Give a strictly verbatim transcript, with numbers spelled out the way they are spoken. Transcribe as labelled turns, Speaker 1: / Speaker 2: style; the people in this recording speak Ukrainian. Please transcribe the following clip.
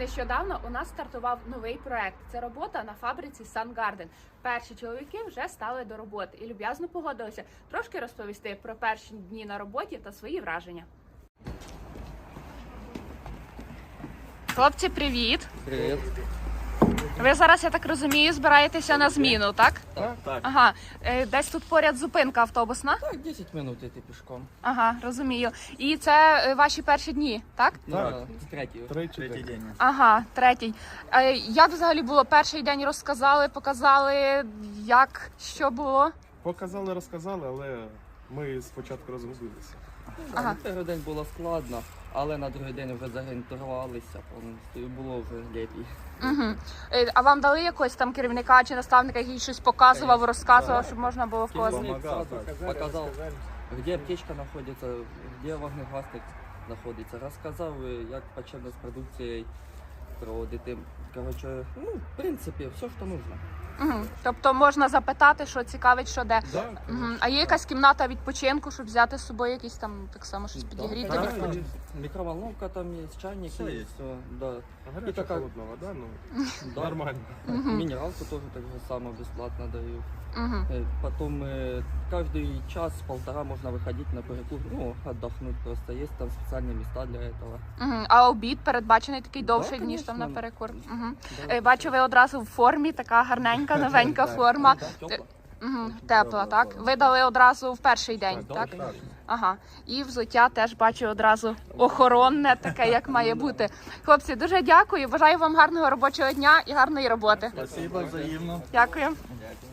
Speaker 1: Нещодавно у нас стартував новий проект. Це робота на фабриці Sun Garden. Перші чоловіки вже стали до роботи і люб'язно погодилися трошки розповісти про перші дні на роботі та свої враження. Хлопці, привіт!
Speaker 2: Привіт.
Speaker 1: Ви зараз, я так розумію, збираєтеся на зміну, так?
Speaker 2: Так, так.
Speaker 1: Ага. Е, Десь тут поряд зупинка автобусна?
Speaker 2: Так, десять минут йти пішком.
Speaker 1: Ага, розумію. І це е, ваші перші дні, так?
Speaker 2: Так. Ну, третій.
Speaker 3: Третій, Третій день.
Speaker 1: Ага, третій. Е, Як взагалі було перший день? Розказали, показали, як, що було?
Speaker 3: Показали, розказали, але ми спочатку розгубилися.
Speaker 1: Ага.
Speaker 2: На перший день було складно, але на другий день вже зорієнтувалися повністю і було вже ліпі.
Speaker 1: Угу. А вам дали якогось там керівника чи наставника, який щось показував, розказував, щоб можна було в когось?
Speaker 2: Керівник зразу показав, де аптечка знаходиться, де вогнегасник знаходиться. Розказав, як почати з продукцією проводити. Коротше, ну, в принципі, все, що потрібно.
Speaker 1: Угу. Тобто можна запитати, що цікавить, що де.
Speaker 3: Да,
Speaker 1: Угу. А є якась кімната відпочинку, щоб взяти з собою якісь там так само щось підігріти?
Speaker 2: Так,
Speaker 1: відпочити?
Speaker 2: так, мікроволновка там є, чайник
Speaker 3: Все
Speaker 2: є,
Speaker 3: є.
Speaker 2: все, да.
Speaker 3: Гаряча
Speaker 2: І така-
Speaker 3: холодна вода, ну
Speaker 2: Да.
Speaker 3: нормально.
Speaker 2: Минералку тоже так же само бесплатно дают.
Speaker 1: Угу.
Speaker 2: Э, Потом э, каждый час-полтора можно выходить на перекур, ну, отдохнуть просто. Есть там специальные места для этого.
Speaker 1: Угу. А обід передбачений такий довший,
Speaker 2: Да,
Speaker 1: ніж там на
Speaker 2: конечно.
Speaker 1: перекур? Угу.
Speaker 2: Да.
Speaker 1: Бачу, ви одразу в формі, така гарненька, новенька
Speaker 2: Да,
Speaker 1: форма.
Speaker 2: да, тёпло.
Speaker 1: Угу. Тепла, так? Ви дали одразу в перший день,
Speaker 2: Да,
Speaker 1: так?
Speaker 2: конечно.
Speaker 1: Ага, і взуття теж бачу одразу охоронне, таке, як має бути. Хлопці, дуже дякую. Бажаю вам гарного робочого дня і гарної роботи.
Speaker 3: Спасибо, взаємно.
Speaker 1: Дякую.
Speaker 2: Дякую.